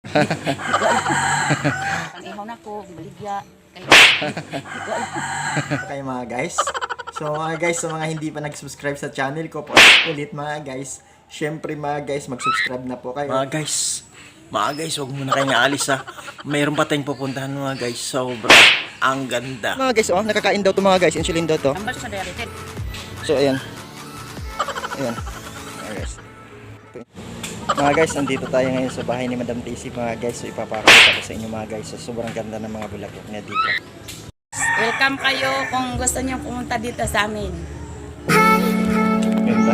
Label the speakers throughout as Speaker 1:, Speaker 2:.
Speaker 1: Ang ihaw na ko, baligya.
Speaker 2: Okay mga guys. So mga guys, sa mga hindi pa nag-subscribe sa channel ko po, ulit mga guys. Syempre mga guys, mag-subscribe na po kayo.
Speaker 3: Mga guys, huwag muna kayong aalis ha. Mayroon pa tayong pupuntahan mga guys. Sobra. Ang ganda.
Speaker 2: Mga guys, oh, nakakain daw to mga guys. Insulin daw to.
Speaker 1: Ambal siya sa diabetes.
Speaker 2: So ayan. Ayan. Mga guys. Okay. Mga guys, nandito tayo ngayon sa bahay ni Madam Daisy mga guys. So ipapakita ko sa inyo mga guys. So sobrang ganda ng mga bulaklak niya dito.
Speaker 1: Welcome kayo kung gusto niyo pumunta dito sa amin.
Speaker 2: Ganda.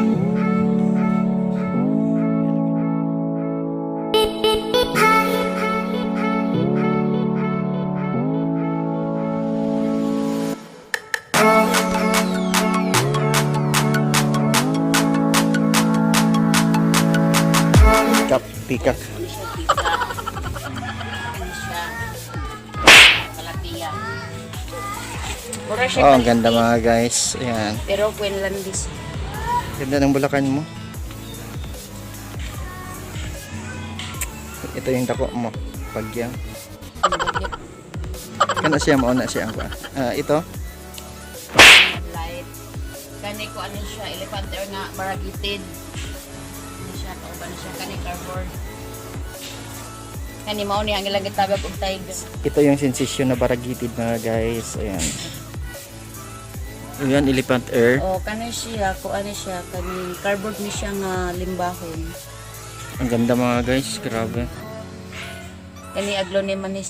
Speaker 2: Pikak.
Speaker 1: Ano siya, pizza. Ano siya, kalapia. Mura siya
Speaker 2: Oh, ang
Speaker 1: kalipit,
Speaker 2: ganda mga guys. Ayan.
Speaker 1: pero Quinlandis.
Speaker 2: Ganda ng bulakan mo. Ito yung dako mo. Pagyang. Kana siya mauna siya ang kuha. Ito.
Speaker 1: Light. Kani ko ano siya, elephant ear nga, baragitid. Ano siya, kauban na siya, kani cardboard. Kani mao ni ang ilang gitagab og tiger.
Speaker 2: Ito yung sensation na baragitid mga guys. Ayan. Ayan, elephant ear.
Speaker 1: O kani siya, ko ano siya, kani cardboard ni siya nga limbahon.
Speaker 2: Ang ganda mga guys. Grabe.
Speaker 1: Kani aglonemonis.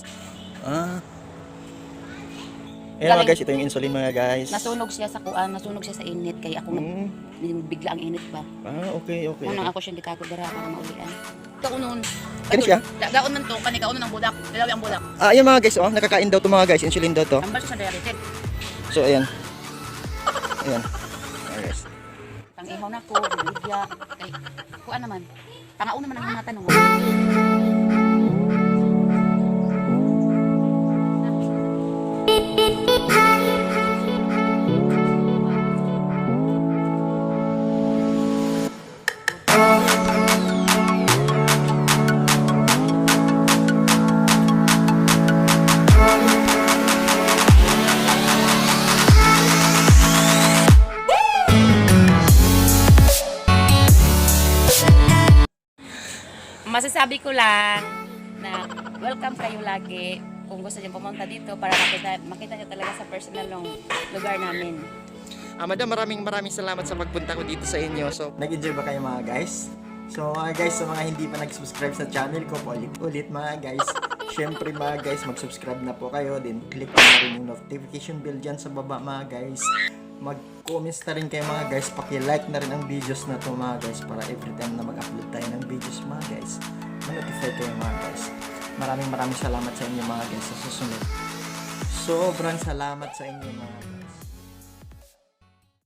Speaker 2: Ayan mga guys, ito yung insulin mga guys.
Speaker 1: Nasunog siya sa kuan, nasunog siya sa init kay ako bigla ang init ba.
Speaker 2: Okay.
Speaker 1: Unang ako siyang gitago dara para maulian. Kaunon.
Speaker 2: Kani siya?
Speaker 1: Gaon man to, kani kaunon ang budak. Dalawi ang budak.
Speaker 2: Ayan mga guys, oh, nakakain daw to mga guys. Insulin daw to.
Speaker 1: Ambal siya sa diabetes.
Speaker 2: So ayan. Ayan. Ayan guys.
Speaker 1: Ang ihaw na ko, baligya. Kay kuan naman. Pangauna man ang mga tanong. Masasabi ko lang na welcome kayo lagi kung gusto niyo pumunta dito para makita niyo talaga sa personal ng lugar namin.
Speaker 2: Madam, maraming salamat sa pagpunta ko dito sa inyo. So, nag-enjoy ba kayo mga guys? So mga guys, sa mga hindi pa nag-subscribe sa channel ko, ulit mga guys. Syempre mga guys, mag-subscribe na po kayo. Then click na rin yung notification bell dyan sa baba mga guys. Mag-comments na rin kayo mga guys. Paki-like na rin ang videos na to mga guys, para every time na mag-upload tayo ng videos mga guys, ma-notify kayo mga guys. Maraming salamat sa inyo mga guys sa susunod. Sobrang salamat sa inyo mga guys.